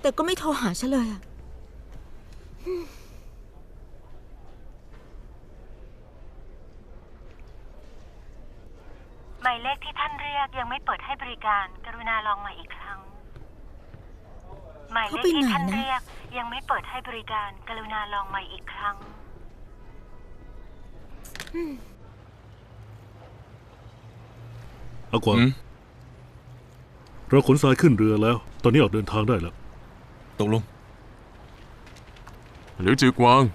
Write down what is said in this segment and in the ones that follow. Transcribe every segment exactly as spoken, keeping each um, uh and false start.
แต่ก็ไม่โทรหาฉันเลยอะหมายเลขที่ท่านเรียกยังไม่เปิดให้บริการกรุณาลองใหม่อีกครั้งหมายเลขที่ท่านเรียกยังไม่เปิดให้บริการกรุณาลองใหม่อีกครั้งเอากว่าเราขนทรายขึ้นเรือแล้วตอนนี้ออกเดินทางได้แล้วตกลงหรือจือกวาง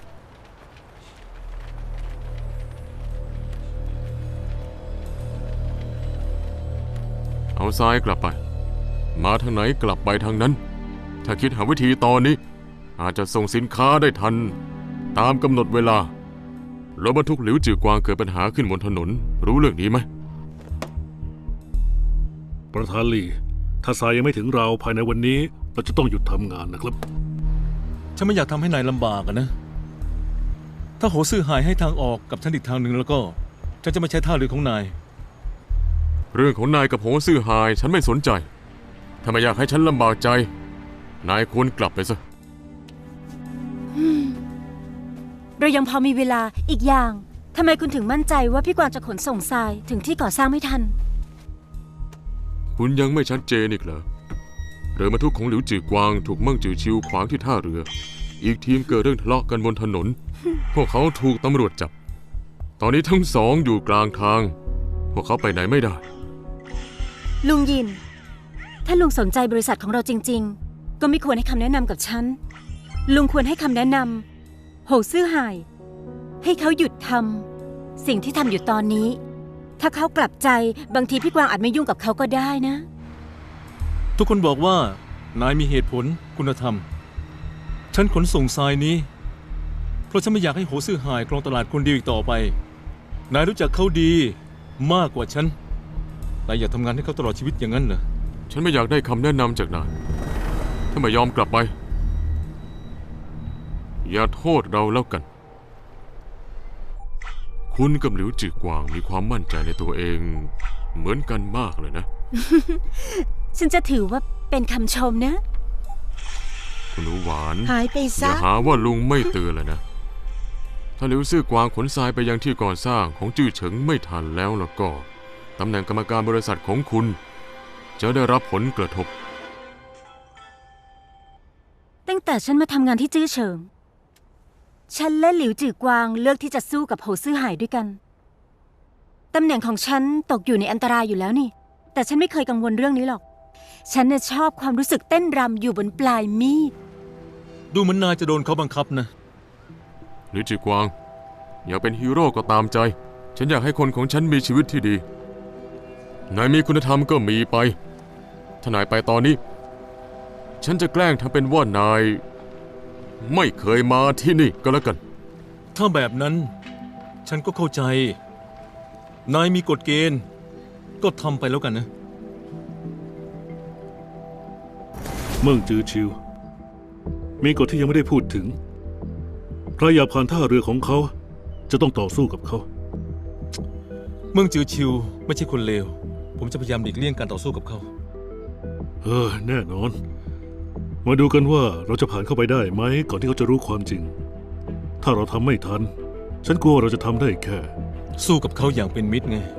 เอาทรายกลับไปมาทางไหนกลับไปทางนั้นถ้าคิดหาวิธีตอนนี้อาจจะส่งสินค้าได้ทันตามกำหนดเวลารถบรรทุกหลิวจือกวางเกิดปัญหาขึ้นบนถนนรู้เรื่องนี้ไหมประธานลี่ถ้าทรายยังไม่ถึงเราภายในวันนี้เราจะต้องหยุดทำงานนะครับฉันไม่อยากทำให้นายลำบากนะถ้าโหซื่อหายให้ทางออกกับฉันอีกทางหนึ่งแล้วก็ฉันจะไม่ใช้ท่าเรือของนายเรื่องของนายกับโหซื่อหายฉันไม่สนใจถ้าไม่อยากให้ฉันลำบากใจนายควรกลับไปซะเรายังพอมีเวลาอีกอย่างทำไมคุณถึงมั่นใจว่าพี่กวางจะขนส่งทรายถึงที่ก่อสร้างไม่ทันคุณยังไม่ชัดเจนอีกเหรอเรือบรรทุกของหลิวจือกวางถูกมั่งจือชิวขวางที่ท่าเรืออีกทีมเกิดเรื่องทะเลาะกันบนถนน พวกเขาถูกตำรวจจับตอนนี้ทั้งสองอยู่กลางทางพวกเขาไปไหนไม่ได้ลุงยินถ้าลุงสนใจบริษัทของเราจริงๆก็ไม่ควรให้คำแนะนำกับฉันลุงควรให้คำแนะนำโหซื่อหายให้เขาหยุดทำสิ่งที่ทำอยู่ตอนนี้ถ้าเขากลับใจบางทีพี่กวางอาจไม่ยุ่งกับเขาก็ได้นะทุกคนบอกว่านายมีเหตุผลคุณธรรมฉันขนส่งทรายนี้เพราะฉันไม่อยากให้โหซื่อหายครองตลาดคนเดียวอีกต่อไปนายรู้จักเขาดีมากกว่าฉันนายอยากทำงานให้เขาตลอดชีวิตอย่างนั้นเหรอฉันไม่อยากได้คำแนะนำจากนายถ้าไม่ยอมกลับไปอย่าโทษเราแล้วกันคุณกับหลิวจือกวางมีความมั่นใจในตัวเองเหมือนกันมากเลยนะฉันจะถือว่าเป็นคำชมนะคุณหนูหวานหายไปซะอย่าหาว่าลุงไม่เตือนเลยนะถ้าหลิวซื่อกวางขนทรายไปยังที่ก่อสร้างของจื้อเฉิงไม่ทันแล้วแล้วก็ตำแหน่งกรรมการบริษัทของคุณจะได้รับผลกระทบตั้งแต่ฉันมาทำงานที่จื้อเฉิงฉันและหลิวจือกวางเลือกที่จะสู้กับโหซื่อหายด้วยกันตำแหน่งของฉันตกอยู่ในอันตรายอยู่แล้วนี่แต่ฉันไม่เคยกังวลเรื่องนี้หรอกฉันน่ะชอบความรู้สึกเต้นรำอยู่บนปลายมีดดูเหมือนนายจะโดนเขาบังคับนะหลิวจือกวางอยากเป็นฮีโร่ก็ตามใจฉันอยากให้คนของฉันมีชีวิตที่ดีนายมีคุณธรรมก็มีไปถ้านายไปตอนนี้ฉันจะแกล้งทำเป็นว่านายไม่เคยมาที่นี่ก็แล้วกันถ้าแบบนั้นฉันก็เข้าใจนายมีกฎเกณฑ์ก็ทำไปแล้วกันนะเมืองจือชิวมีกฎที่ยังไม่ได้พูดถึงใครอยากผ่านท่าเรือของเขาจะต้องต่อสู้กับเขาเมืองจือชิวไม่ใช่คนเลวผมจะพยายามหลีกเลี่ยงการต่อสู้กับเขาเออแน่นอนมาดูกันว่าเราจะผ่านเข้าไปได้ไหมก่อนที่เขาจะรู้ความจริงถ้าเราทำไม่ทันฉันกลัวเราจะทำได้แค่สู้กับเขาอย่างเป็นมิตรไง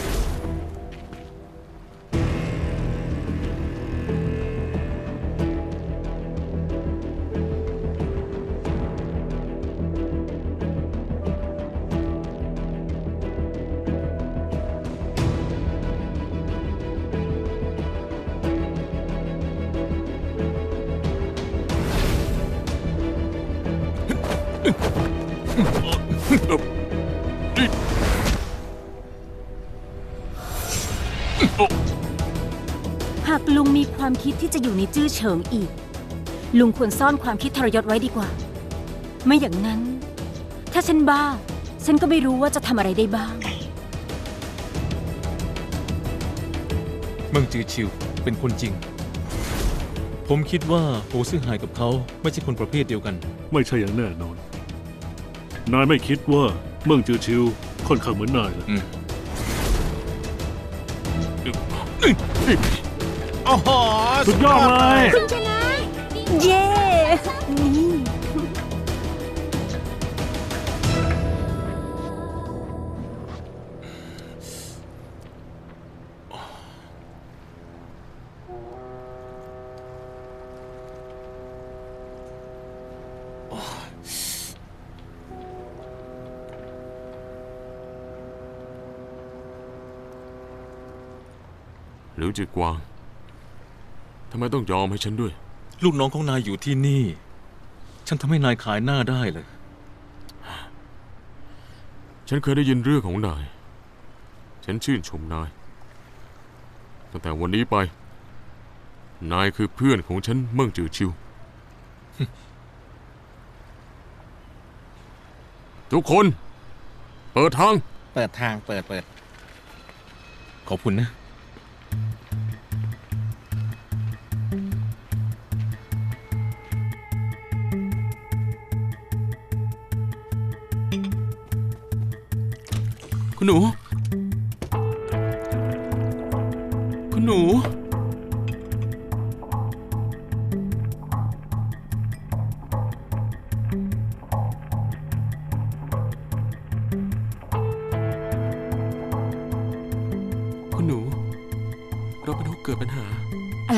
หากลุงมีความคิดที่จะอยู่ในจื้อเฉิงอีกลุงควรซ่อนความคิดทรยศไว้ดีกว่าไม่อย่างนั้นถ้าฉันบ้าฉันก็ไม่รู้ว่าจะทำอะไรได้บ้างเมืองจือชิวเป็นคนจริงผมคิดว่าโหซื่อหายกับเขาไม่ใช่คนประเภทเดียวกันไม่ใช่อย่างแน่นอนนายไม่คิดว่าเมืองจือชิวค่อนข้างเหมือนนายเหรอโอ้โหสุดยอดเลยคุณชนะเย้นี่หลิวจือกวางทำไมต้องยอมให้ฉันด้วยลูกน้องของนายอยู่ที่นี่ ฉันทำให้นายขายหน้าได้เลยฉันเคยได้ยินเรื่องของนาย ฉันชื่นชมนาย ตั้งแต่วันนี้ไป นายคือเพื่อนของฉันเมิ่งจือชิว ทุกคน เปิดทางเปิดทางเปิดเปิดขอบคุณนะคุณหนู คุณหนู คุณหนู เราเป็นผู้เกิดปัญหา